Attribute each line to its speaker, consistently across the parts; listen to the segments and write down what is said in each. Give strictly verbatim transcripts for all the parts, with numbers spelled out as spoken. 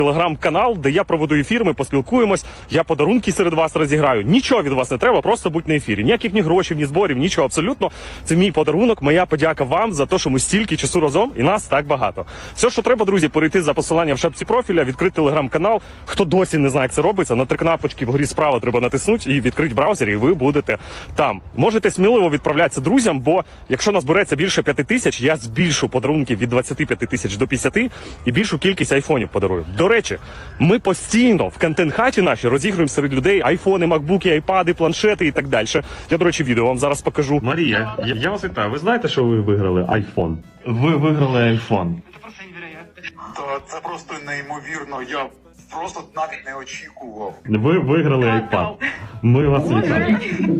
Speaker 1: Телеграм-канал, де я проведу ефір, ми поспілкуємось, я подарунки серед вас розіграю. Нічого від вас не треба, просто будь на ефірі. Ніяких ні грошей, ні зборів, нічого абсолютно. Це мій подарунок, моя подяка вам за те, що ми стільки часу разом і нас так багато. Все, що треба, друзі, перейти за посиланням в шапці профіля, відкрити телеграм-канал. Хто досі не знає, як це робиться, на три кнопочки вгорі справа треба натиснути і відкрити браузер, і ви будете там. Можете сміливо відправлятися друзям, бо якщо назбереться більше п'яти тисяч, я збільшу подарунки від двадцяти п'яти тисяч до п'ятдесяти і більшу кількість айфонів подарую. До речі, ми постійно в контент-хаті наші розігруємо серед людей айфони, макбуки, айпади, планшети і так далі. Я, до речі, відео вам зараз покажу. Марія, я, я вас вітаю. Ви знаєте, що ви виграли айфон? Ви виграли айфон.
Speaker 2: Це просто невероятно.
Speaker 3: Та це просто неймовірно. Я просто навіть не очікував.
Speaker 1: Ви виграли айпад. Ми вас вітаємо.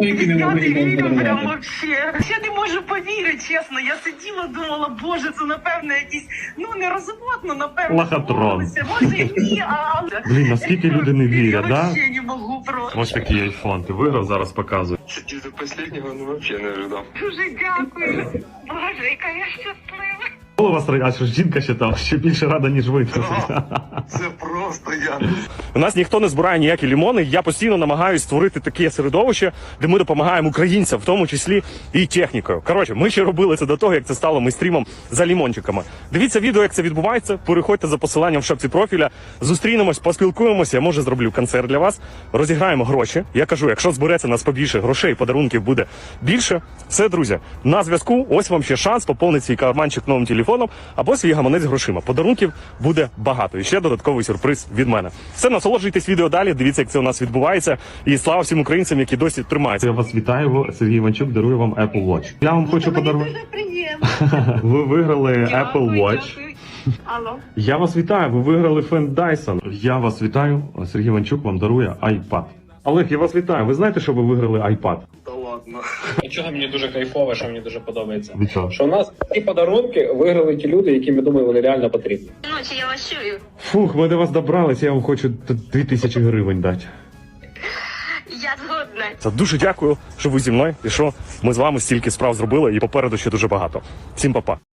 Speaker 2: Я не вірю прям вообще. Я не можу повірити, чесно. Я сиділа, думала, боже, це напевно якісь, ну не розводно, напевно.
Speaker 1: Лохотрон.
Speaker 2: Може ні, а...
Speaker 1: Блін, наскільки люди не вірять,
Speaker 2: я
Speaker 1: да?
Speaker 2: вообще не можу просто.
Speaker 1: Ось такий айфон. Ти виграв, зараз показую.
Speaker 4: Сидеть до последнего, ну вообще не ожидал.
Speaker 2: Дуже дякую. Боже, яка я щаслива.
Speaker 1: Коли вас а що жінка ще там, ще більше рада, ніж ви.
Speaker 3: Це просто я.
Speaker 1: У нас ніхто не збирає ніякі лімони. Я постійно намагаюся створити таке середовище, де ми допомагаємо українцям, в тому числі і технікою. Коротше, ми ще робили це до того, як це стало мейстрімом за лімончиками. Дивіться відео, як це відбувається. Переходьте за посиланням в шапці профіля. Зустрінемось, поспілкуємося. Я, може, зроблю концерт для вас. Розіграємо гроші. Я кажу, якщо збереться нас побільше грошей, подарунків буде більше. Все, друзі, на зв'язку. Ось вам ще шанс поповнити свій карманчик новим телефоном або свій гаманець грошима. Подарунків буде багато. І ще додатковий сюрприз від мене. Все, насолоджуйтесь відео далі, дивіться, як це у нас відбувається. І слава всім українцям, які досі тримаються. Я вас вітаю, Сергій Іванчук дарує вам Apple Watch. Я вам хочу подарувати.
Speaker 2: Дуже приємно.
Speaker 1: Ви виграли Apple
Speaker 2: Дякую,
Speaker 1: Watch.
Speaker 2: дякую. Алло.
Speaker 1: Я вас вітаю, ви виграли фен Dyson. Я вас вітаю, Сергій Іванчук вам дарує iPad. Олег, я вас вітаю. Ви знаєте, що ви виграли iPad?
Speaker 3: Та ладно.
Speaker 5: Чого мені дуже кайфово, що мені дуже подобається.
Speaker 1: Від чого?
Speaker 5: Що у нас ці подарунки виграли ті люди, яким, я думаю, вони реально потрібні.
Speaker 2: Ночі я вас чую.
Speaker 1: Фух, ми до вас добрались, я вам хочу дві тисячі гривень дати.
Speaker 2: Я згодна.
Speaker 1: Це дуже дякую, що ви зі мною і що ми з вами стільки справ зробили, і попереду ще дуже багато. Всім па-па.